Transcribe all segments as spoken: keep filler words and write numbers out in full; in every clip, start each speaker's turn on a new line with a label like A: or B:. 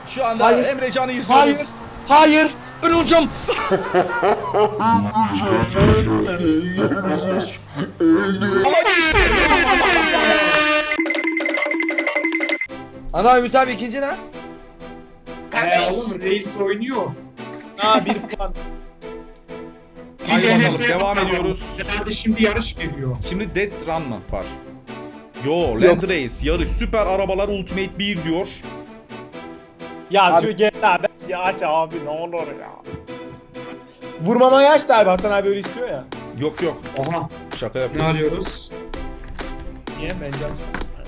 A: Şu anda
B: Hayır.
A: Emrecan'ı izliyoruz.
B: Hayır. Hayır. Ben olacağım. Ana Ümit abi ikinci ne?
C: Eee oğlum reis oynuyor.
D: Aa bir puan.
A: Haydi
C: Bir
A: bakalım,
C: deneme
A: devam
C: yapalım.
A: ediyoruz.
C: Herhalde şimdi yarış geliyor.
A: Şimdi Dead Run mı var? Yo, Land
B: Yok.
A: Race yarış süper arabalar Ultimate bir diyor.
D: Ya
B: Abi-
D: şu G T A beş ya aç abi ne olur ya. Vurmamayı aç da abi Hasan abi öyle istiyor ya.
A: Yok yok,
C: Oha.
A: şaka
C: Ne
A: yapıyorum.
C: arıyoruz?
D: Niye bence aç.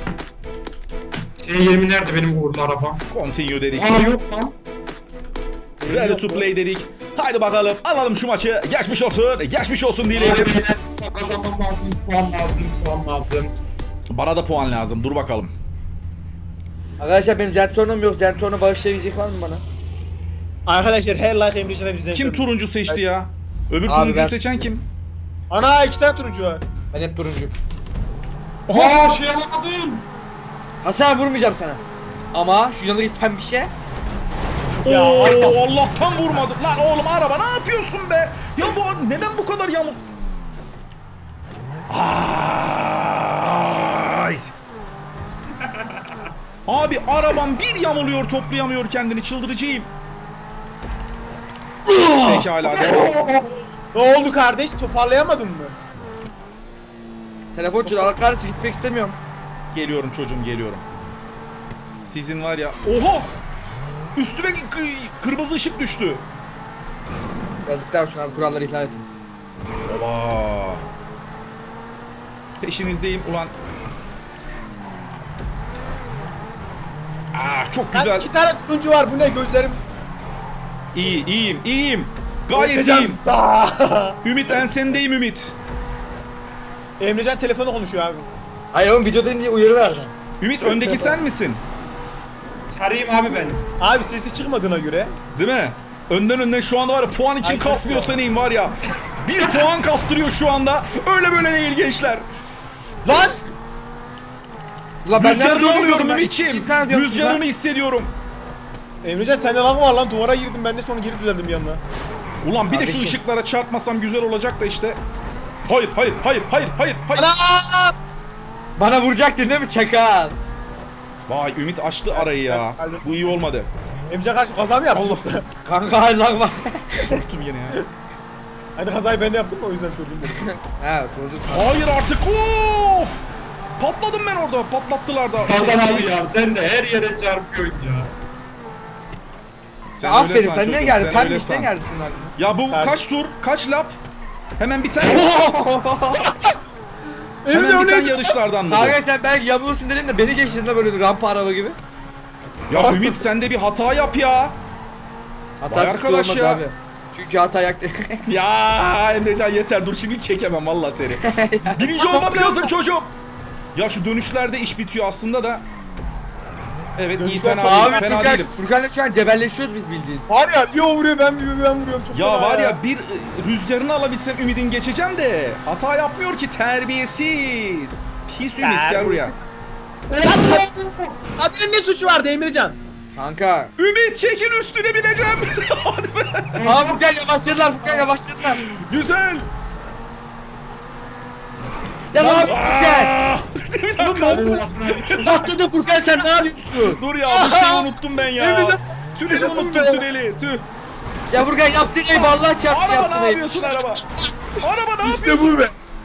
C: T yirmi nerede benim uğurlu arabam?
A: Continue dedik.
C: Aa yok lan.
A: Ready to play dedik. Haydi bakalım alalım şu maçı. Geçmiş olsun. Geçmiş olsun diyelim.
C: Hadi beyler, kazanmam lazım, puan lazım, puan lazım.
A: Bana da puan lazım. Dur bakalım.
B: Arkadaşlar benim Zentorno'm yok. Zentorno bağışlayabilecek var mı bana?
D: Arkadaşlar her like Emrecan'a bizden.
A: Kim turuncu seçti ya? Öbür
B: Abi
A: turuncu
B: ben-
A: seçen kim?
D: Ana iki tane turuncu var.
B: Ben hep turuncuyum.
A: Oha!
C: Aa şey alamadım.
B: Hasan abi vurmayacağım sana. Ama şu yanındaki pembişe.
D: Ya.
A: Oo, Allah'tan vurmadım. Lan oğlum araba ne yapıyorsun be? Ya bu neden bu kadar yamuk? Ay. Abi arabam bir yamuluyor, toplayamıyor kendini, çıldıracağım. Pekala devam.
D: Ne oldu kardeş toparlayamadın mı?
B: Telefon çalıyor. Allah kahretsin gitmek istemiyorum.
A: Geliyorum çocuğum, geliyorum. Sizin var ya. Oha! Üstüme k- kırmızı ışık düştü.
B: Yazıklar olsun abi kuralları ihlal ettin.
A: Oba. Peşinizdeyim ulan. Ah çok
D: Lan
A: güzel.
D: iki tane turuncu var bu ne gözlerim.
A: İyi, iyiyim, iyiyim. Gayet
D: Emrecan-
A: iyiyim. Ümit ensendeyim Ümit.
D: Emrecan telefonu konuşuyor abi.
B: Hayır oğlum videodayım diye uyarı verdim.
A: Ümit öndeki sen misin?
C: Çarayım abi ben.
D: Abi sesi çıkmadığına göre.
A: Değil mi? Önden önden şu anda var ya, puan için
D: Ay,
A: kasmıyor
D: çok
A: seneyim var ya. Bir puan kastırıyor şu anda. Öyle böyle değil gençler.
D: Lan!
B: Ulan ben nerede
A: Rüzgarını
B: olduğumu
A: alıyorum
B: diyorum ben.
A: Ümit'ciğim.
B: İki tane diyorum
A: Rüzgarını
B: size.
A: hissediyorum.
D: Emrecan sende lag var lan duvara girdim ben de sonra geri düzeldim yanına.
A: Ulan bir de şu
B: Kardeşim.
A: ışıklara çarpmasam güzel olacak da işte. Hayır, hayır, hayır, hayır, hayır, hayır.
D: Ana!
B: Bana vuracaktın değil mi çakal?
A: Vay Ümit açtı arayı ya. Bu iyi olmadı.
D: Emrecan karşı kaza mı yaptın?
A: Allah.
B: Kanka hayır lan var.
A: Korktum yine ya.
D: Hani kazayı ben de yaptım o yüzden sordum dedim.
B: He sorduk.
A: Hayır artık. Of! Patladım ben orada. Patlattılar da.
C: Kazan
A: Şey-
C: abi ya sen de her yere çarpıyorsun ya.
A: Sen
B: Ya
A: öyle
B: aferin
A: san
B: sen
A: çocuğum,
B: ne geldin?
A: sen
B: Pembe
A: öyle
B: işte
A: san.
B: geldin senin aklına.
A: Ya bu
D: Ben-
A: kaç tur? Kaç lap? Hemen bir tane.
D: Emre
A: Hemen
D: o
A: bir tane
D: neydi?
A: yarışlardan mı?
B: Kanka sen belki yamulursun dedim de beni geçtin de böyle rampa araba gibi.
A: bu? Ya Ümit sen de bir hata yap ya.
B: Hata
A: Vay
B: sıkı
A: arkadaş
B: olmadı
A: ya.
B: abi. Çünkü hata yaktı.
A: Ya Emrecan yeter, dur şimdi hiç çekemem valla seni. Birinci olmam lazım çocuğum. Ya şu dönüşlerde iş bitiyor aslında da. Evet iyi,
D: Dönüşler
A: fena
D: çok-
A: değilim,
B: Abi
A: fena
B: Furkan,
A: değilim.
B: Furkan'la şu an cebelleşiyoruz biz bildiğin.
D: Var ya bir o vuruyor ben bir ben vuruyorum. Çok
A: Ya
D: fena
A: var ya bir e, rüzgarını alabilsem Ümit'in geçeceğim de hata yapmıyor ki, terbiyesiz. Pis Ümit gel buraya.
D: Kadir'in ne suçu vardı Emrecan?
B: Kanka.
A: Ümit çekin üstüne bineceğim. Hadi be.
B: Aa Furkan yavaşladılar Furkan yavaşladılar.
A: Güzel.
B: Ya ne yapıyorsun Furkan?
A: Aa! Bir dakika.
B: Patladı Furkan sen ne yapıyorsun?
A: Dur ya bu şeyi unuttum ben ya.
D: Emrecan,
A: Tüneli
D: yaşasın
A: unuttum
D: be.
A: tüneli. Tüh.
B: Ya Furkan yaptığın ayıp Allah çarptı
A: Araba
B: yaptığın
A: ne
B: ayıp.
A: yapıyorsun araba? Araba ne
D: İşte
A: yapıyorsun?
D: bu be.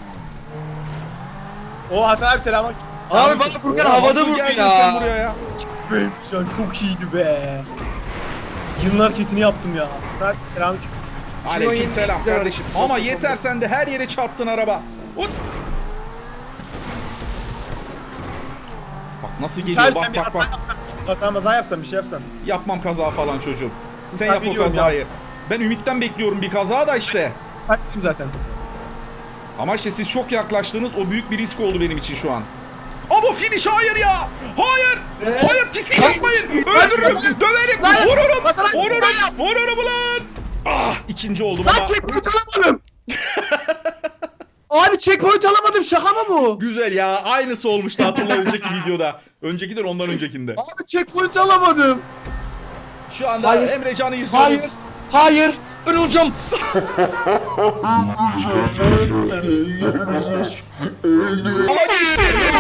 D: O Hasan abi selam.
B: Abi bana Furkan
A: Oğlum,
B: havada
A: nasıl
B: vurdu
A: geldin
B: ya.
A: sen buraya ya?
D: Emrecan çok iyiydi be. Yılın hareketini yaptım ya. Hasan abi selam.
A: Aleyküm selam
B: yeni-
A: kardeşim. Ama yeter sen de her yere çarptın araba. Ut. Bak nasıl geliyor,
D: Abi
A: bak
D: sen bir
A: bak
D: hata
A: bak.
D: yapsan, hata maza yapsan bir şey yapsan.
A: Yapmam kaza falan çocuğum. Sen
D: Ben
A: yap o
D: biliyorum
A: kazayı. Ben Ümit'ten bekliyorum bir kaza da işte.
D: Kaçtım zaten.
A: Ama işte siz çok yaklaştınız, o büyük bir risk oldu benim için şu an. Ama finish hayır ya! Hayır! Hayır pislik yapmayın! Öldürürüm! Döverim!
D: Lan!
A: Vururum!
D: Lan!
A: Vururum! Vururum ulan! Ah! ikinci oldum
D: Lan
A: ama
D: checkpoint alamadım. Abi checkpoint alamadım şaka mı bu?
A: güzel ya, aynısı olmuştu hatırla önceki videoda. Öncekidir ondan öncekinde.
D: Abi checkpoint alamadım.
A: Şu anda
B: Hayır.
A: Emrecan'ı izliyoruz.
B: Hayır. Hayır. Ben olacağım.
A: Ama geçti.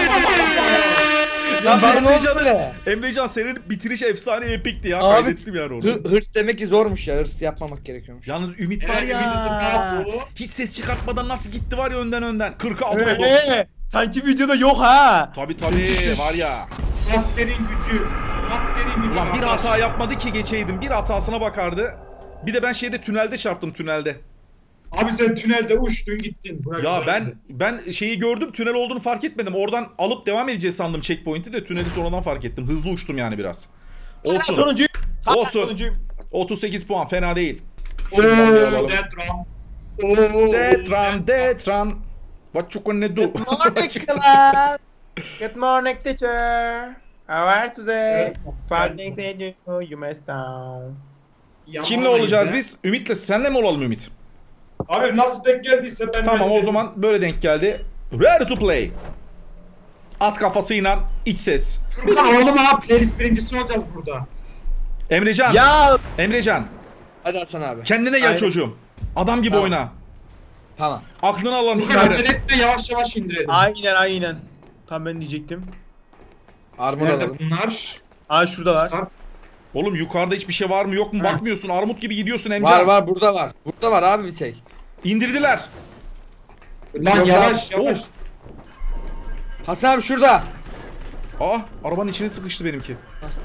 B: Ya bana ne oldu
A: Emrecan'ın-
B: böyle?
A: Emrecan senin bitiriş efsane epikti ya.
B: Abi,
A: Kaydettim yani onu.
B: Hı- hırs demek ki zormuş ya. Hırs yapmamak gerekiyormuş.
A: Yalnız Ümit var
C: Evet,
A: ya.
C: Ümit'in ne yapıyor?
A: Hiç ses çıkartmadan nasıl gitti var ya önden önden. kırka altı oldu.
D: Ee, sanki videoda yok ha.
A: Tabi tabi var ya.
C: Maskenin gücü. Maskenin gücü.
A: Ulan bir hata yapmadı ki geçeydim. Bir hatasına bakardı. Bir de ben şeyde tünelde çarptım tünelde.
C: Abi sen tünelde uçtun gittin. Bırak
A: Ya ben
C: bırak.
A: ben şeyi gördüm, tünel olduğunu fark etmedim. Oradan alıp devam edeceğiz sandım checkpoint'i de tüneli sonradan fark ettim. Hızlı uçtum yani biraz. Olsun.
D: Sonuncuyum. Sağ
A: Olsun.
D: sonuncuyum.
A: otuz sekiz puan fena değil.
C: Ooo
A: Şuradan bir alalım.
C: Detram. Ooo.
A: Detran, Detran. What you gonna do?
D: Good morning class. Good morning teacher. How are you today? Five things that you do, you messed down.
A: Kimle olacağız biz? Ümit'le senle mi olalım Ümit?
C: Abi nasıl denk geldiyse ben
A: Tamam
C: de-
A: o zaman böyle denk geldi. Ready to play. At kafasıyla iç ses.
C: Furkan oğlum ha playlist birincisi olacağız burada.
A: Emrecan.
D: Ya
A: Emrecan.
B: Hadi Hasan abi.
A: Kendine gel
D: Aynen.
A: çocuğum. Adam gibi
B: Tamam.
A: oyna.
B: Tamam.
A: Aklını alalım
C: Furkan acele
A: şunları.
C: etme yavaş yavaş indirelim.
D: aynen aynen. Tam ben diyecektim.
B: Armor
C: Nerede
B: alalım.
C: bunlar?
D: Aa şuradalar.
A: Oğlum yukarıda hiçbir şey var mı yok mu
C: Ha.
A: bakmıyorsun. Armut gibi gidiyorsun Emrecan.
B: Var var burada var. Burada var abi bir şey.
A: İndirdiler.
C: Lan
B: Yok
C: yavaş
A: abi.
C: yavaş.
A: Of.
B: Hasan abi şurada.
A: Aa arabanın içine sıkıştı benimki.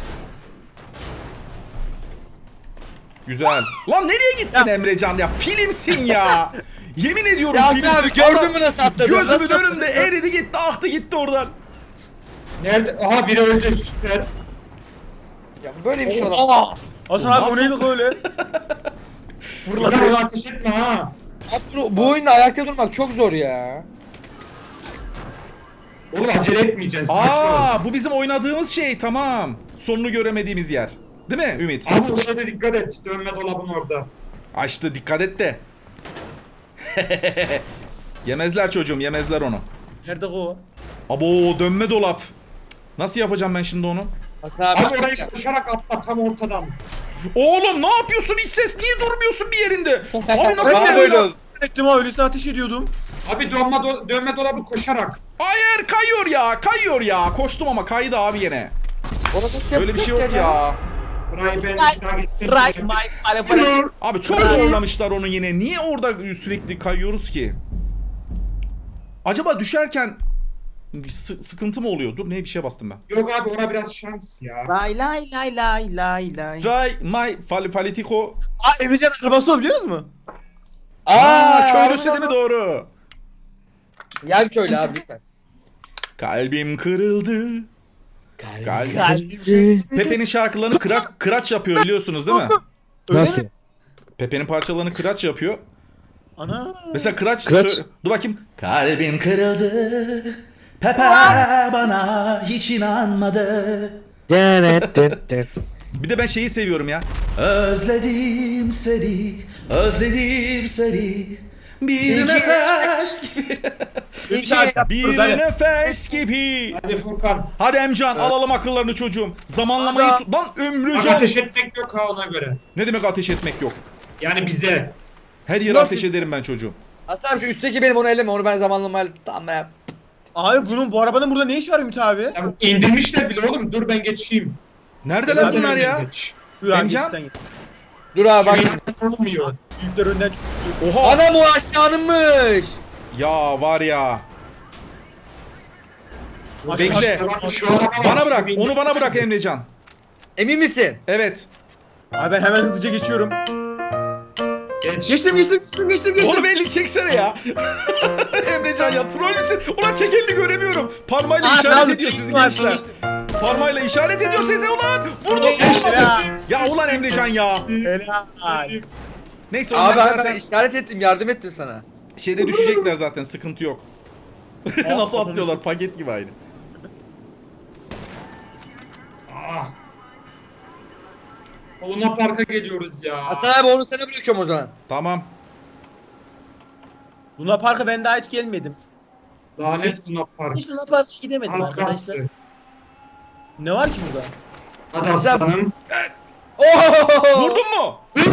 A: Güzel. Lan nereye gittin Emrecan ya? Filmsin ya. Yemin ediyorum
B: Ya
A: filmsin.
B: Hasan abi gördün
A: Adam
B: mü nasıl atladı?
A: Gözümün
B: Nasıl
A: önünde
B: atladı?
A: eridi gitti aktı gitti oradan.
C: Nerede? Aha biri öldü süper.
B: Ya böyle bir şey olamaz.
D: Aa! Hasan abi o
A: Nasıl?
D: neydi öyle?
C: Furkan ona ateş etme ha.
B: Abi bu, bu oyunda ayakta durmak çok zor ya.
C: Oğlum acele etmeyeceksin. sakin ol.
A: Aa bu bizim oynadığımız şey tamam. Sonunu göremediğimiz yer. Değil mi Ümit?
C: Abi o şeyde dikkat et. Dönme dolabın orada.
A: Açtı dikkat et de. Yemezler çocuğum yemezler onu.
D: Nerede o?
A: Abo dönme dolap. Nasıl yapacağım ben şimdi onu?
B: Hasan abi.
C: Abi orayı koşarak atla tam ortadan.
A: Oğlum ne yapıyorsun iç ses niye durmuyorsun bir yerinde? Abi ne
B: Bana
A: kadar
B: böyle oldu.
D: Ettim ha öylesine ateş ediyordum.
C: Abi dönme, do- dönme dolabı koşarak.
A: Hayır kayıyor ya kayıyor ya. Koştum ama kaydı abi yine.
B: Ona nasıl
A: Öyle bir şey yok
B: yapacak
A: ya.
C: Burayı ben ısrar ettim.
D: Right my fire.
A: Abi çok zorlamışlar onu yine. Niye orada sürekli kayıyoruz ki? Acaba düşerken sı- sıkıntı mı oluyor? Dur neye bir şeye bastım ben.
C: Yok abi ona biraz şans ya.
D: Lay lay lay lay lay lay.
A: Try my fal politico.
D: Aa Emrecan arabası o biliyor musun?
A: Aa, köylüsü
B: abi.
A: değil mi doğru?
B: Ya bir köylü abi lütfen.
A: Kalbim kırıldı. Kalbim.
D: Kalbim.
A: Pepe'nin şarkılarını kıraç, kıraç yapıyor biliyorsunuz değil mi?
D: Nasıl?
A: Pepe'nin parçalarını kıraç yapıyor.
D: Ana.
A: Mesela kıraç,
E: Kıraç.
A: sö- dur bakayım. Kalbim kırıldı. Pepe bana hiç inanmadı. Bir de ben şeyi seviyorum ya. Özledim seni, özledim seni. Bir
B: İki-
A: nefes gibi.
D: Bir şarkı
A: Bir
D: yapıyoruz hadi.
A: nefes gibi.
C: Hadi Furkan.
A: Hadi Emcan alalım akıllarını çocuğum. Zamanlamayı
B: Hadi.
A: tut. Lan
C: Bak
A: Ömrücan.
C: ateş etmek yok ha ona göre.
A: Ne demek ateş etmek yok.
C: Yani bize.
A: Her yere
B: Nasıl?
A: ateş ederim ben çocuğum.
B: Hasan abi şu üstteki benim onu elleme onu ben zamanlamayla tamam ya.
D: Abi bunun bu arabanın burada ne işi var Ümit abi?
C: Ya indirmişler bile oğlum. Dur ben geçeyim.
A: Neredeler
C: Biraz
A: bunlar
C: önden
A: ya?
C: geç.
D: Dur abi
A: Emcan?
D: geç sen git.
B: Dur abi bak.
C: Olmuyor.
D: Büyükler önden çıkıyor.
A: Oha.
B: Anam o aşağınınmış.
A: Ya var ya. Bekle.
C: Bak, şu araba var,
A: Bana
C: şu
A: bırak.
C: bir-
A: Onu bana bırak Emrecan.
B: Emin misin?
A: Evet.
D: Abi ben hemen hızlıca geçiyorum.
C: Geç.
D: Geçtim geçtim geçtim geçtim geçtim.
A: Oğlum elini çeksene ya. Emrecan ya trollüsün. Ulan çek elini göremiyorum. Parmağıyla
D: Aa,
A: işaret
D: tamam,
A: ediyor sizin
D: geçtim abi,
A: gençler.
D: geçtim.
A: Parmağıyla işaret ediyor size ulan. Vurdum
D: Geçtim
A: vurmadım.
D: ya.
A: Ya ulan Emrecan ya.
D: Helal.
A: Neyse onlar
B: Abi abi
A: zaten
B: ben işaret ettim yardım ettim sana.
A: şeyde düşecekler zaten sıkıntı yok. Nasıl atlıyorlar paket gibi aynı.
C: Ah. Luna Park'a geliyoruz ya.
B: Hasan abi onu sana bırakıyorum o zaman.
A: Tamam.
D: Luna Park'a ben daha hiç gelmedim.
C: Lanet Luna Park.
D: Hiç Luna Park'a gidemedim
C: Arkası.
D: arkadaşlar. Ne var ki burada?
C: Hadi aslanım.
B: Oh!
A: Vurdun mu?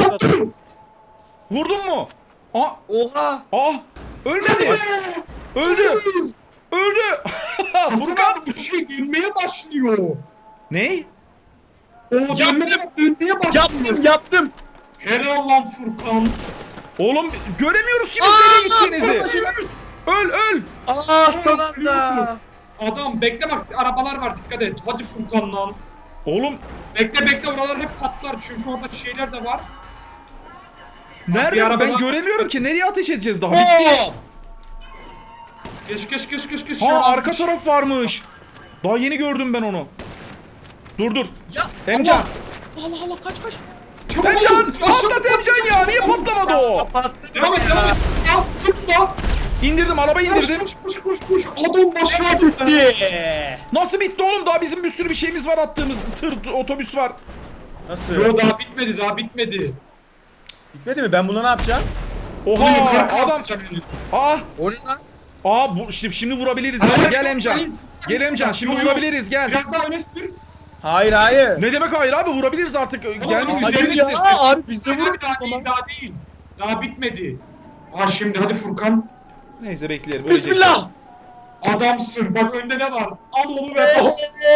A: Vurdun mu? Aa,
B: Oha!
A: aa, ölmedi. Öldü. Öldü.
C: Hasan
A: Furkan.
C: abi bu şey dönmeye başlıyor.
A: Ne?
C: O dönmeye, dönmeye başlıyor.
D: Yaptım yaptım.
C: Helal lan Furkan.
A: Oğlum göremiyoruz ki biz nereye gittiğinizi. Öl öl.
B: Aa son anda.
C: Adam bekle bak arabalar var dikkat et. Hadi Furkan lan.
A: Oğlum
C: Bekle bekle oralar hep patlar çünkü orada şeyler de var. Bir
A: nerede?
C: araba
A: Ben
C: daha-
A: göremiyorum ki. Nereye ateş edeceğiz daha? Bitti.
C: Geç geç geç geç geç.
A: Ha arka taraf varmış. Daha yeni gördüm ben onu. Dur dur.
D: Ya
A: Emcan.
D: Allah Allah kaç kaç.
A: Emcan. Patlat Emcan ya. Niye patlamadı o?
B: Kapattım.
C: Devam et devam et. Al zıpla.
A: İndirdim. Arabayı
C: Koş
A: indirdim.
C: koş koş koş koş. Adam başına gitti.
D: Bitti.
A: Nasıl bitti oğlum? Daha bizim bir sürü bir şeyimiz var attığımız. Tır, otobüs var.
D: Nasıl?
C: Yo daha bitmedi daha bitmedi.
D: Bitmedi mi? Ben buna ne yapacağım?
A: Oha
C: Yukarı
A: adam.
C: kalkacak.
A: Aa.
B: O ne lan?
A: Aa bu şimdi, şimdi vurabiliriz ya. Gel Emcan. Gel Emcan şimdi
C: Yo, yo.
A: vurabiliriz gel.
C: Biraz daha öne sür.
D: Hayır hayır.
A: Ne demek hayır abi vurabiliriz artık. Gelmişsin
C: hayır
A: gelmişsin.
D: ya abi biz de
C: Daha
D: vurduk
C: daha
D: ama.
C: değil daha değil. Daha bitmedi. Ha şimdi hadi Furkan.
A: Neyse bekleyelim. öleceksin.
D: Bismillah.
C: Adamsın bak önde ne var? Al onu ve bas.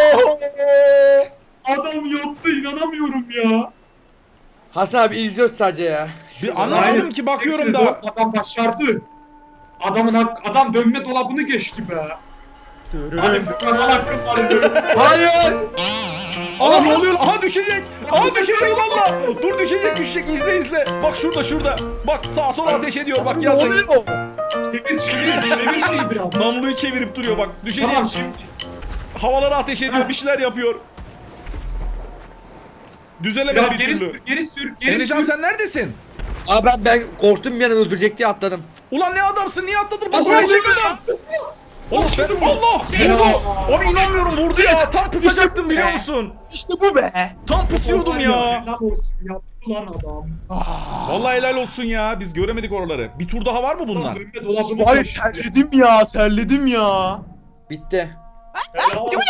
C: Adam yaptı inanamıyorum ya.
B: Hasan abi izliyoruz sadece ya.
A: Bir anlamadım
C: Hayır,
A: ki bakıyorum
C: tek
A: da.
C: sezon Adam başardı. Adamın hak, adam dönme dolabını geçti be. Hadi Furkan al hakkın var.
B: Hayır.
A: Aha ne oluyor? Aha düşecek. Aha düşecek valla. Dur düşecek düşecek izle izle. Bak şurada şurada. Bak sağa sola ateş ediyor bak
D: Ne
A: yazık.
D: oluyor?
C: Çevir çevir çevir şeyi biraz.
A: Namluyu çevirip duruyor bak. Düşecek.
C: Tamam şimdi.
A: Havalara ateş ediyor. Bir şeyler yapıyor. Düzelemedi
C: Biraz
A: bir
C: geri
A: türlü.
C: sür geri sür geri
A: Emrecan
C: sür.
A: sen neredesin?
B: Abi ben, ben korktum bir an öldürecek diye atladım.
A: Ulan ne adamsın niye atladın? Bak
C: Allah
A: ölecek
C: Allah.
A: adam. Oğlum ben Allah vurdu. Abi inanmıyorum vurdu ya. Tam pısacaktım biliyor musun?
D: İşte bu be.
A: Tam pısıyordum ya.
C: Helal olsun yaptı lan adam.
A: Vallahi helal olsun ya. Biz göremedik oraları. Bir tur daha var mı bundan?
C: Dönme dolabını
D: Var ya
C: geçti.
D: terledim ya terledim ya.
B: Bitti.
C: Helal olsun.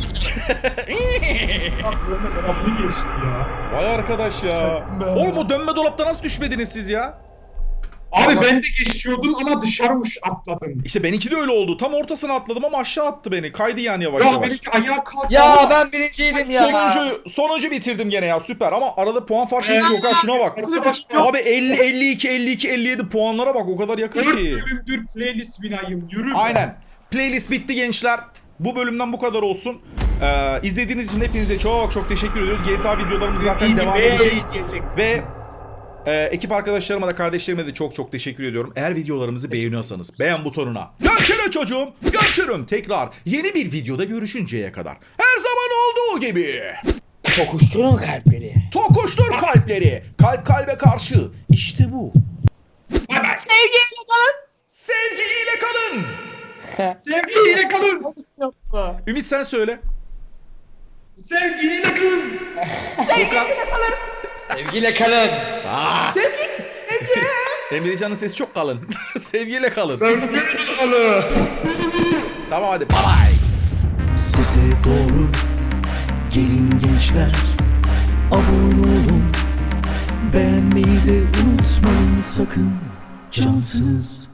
C: Dönme dolabını geçti ya.
A: Vay arkadaş ya.
D: Çaktım ben.
A: Oğlum o dönme dolapta nasıl düşmediniz siz ya?
C: Abi ben de geçiyordum ama dışarı uç atladım.
A: İşte benimki de öyle oldu. Tam ortasına atladım ama aşağı attı beni. Kaydı yani yavaş
C: Ya
A: yavaş.
C: benimki ayağa kalktı.
B: Ya
C: ama-
B: ben birinciydim ya.
A: Sonuncu, sonuncu bitirdim gene ya süper ama arada puan farkı hiç
C: Evet.
A: yok ha şuna bak.
C: Arkadaşlar
A: Abi elli, elli iki, elli iki, elli yedi puanlara bak o kadar yakın
C: dört
A: ki.
C: bölümdür playlist binayım yürü. be.
A: Aynen. Playlist bitti gençler. Bu bölümden bu kadar olsun. Ee, izlediğiniz için hepinize çok çok teşekkür ediyoruz. G T A videolarımız zaten devam edecek. Ve e, ekip arkadaşlarıma da kardeşlerime de çok çok teşekkür ediyorum. Eğer videolarımızı beğeniyorsanız beğen butonuna. Görüşürüz çocuğum. Görüşürüm tekrar. Yeni bir videoda görüşünceye kadar. Her zaman olduğu gibi.
B: Tokuşturun kalpleri.
A: Tokuştur kalpleri. Kalp kalbe karşı. İşte bu.
C: Bay bay.
D: Sevgiyle kalın.
A: Sevgiyle kalın.
C: Sevgiyle kalın.
D: Yapma.
A: Ümit sen söyle.
C: Sevgiyle kalın.
A: Furkan.
B: Sevgiyle kalın.
A: Ah. Emrecan'ın sesi çok kalın. Sevgiyle kalın.
C: Sevgiyle kalın.
A: Tamam hadi bye bye.
E: Sese doğru gelin gençler, abone olun, beğenmeyi de unutmayın sakın, cansız.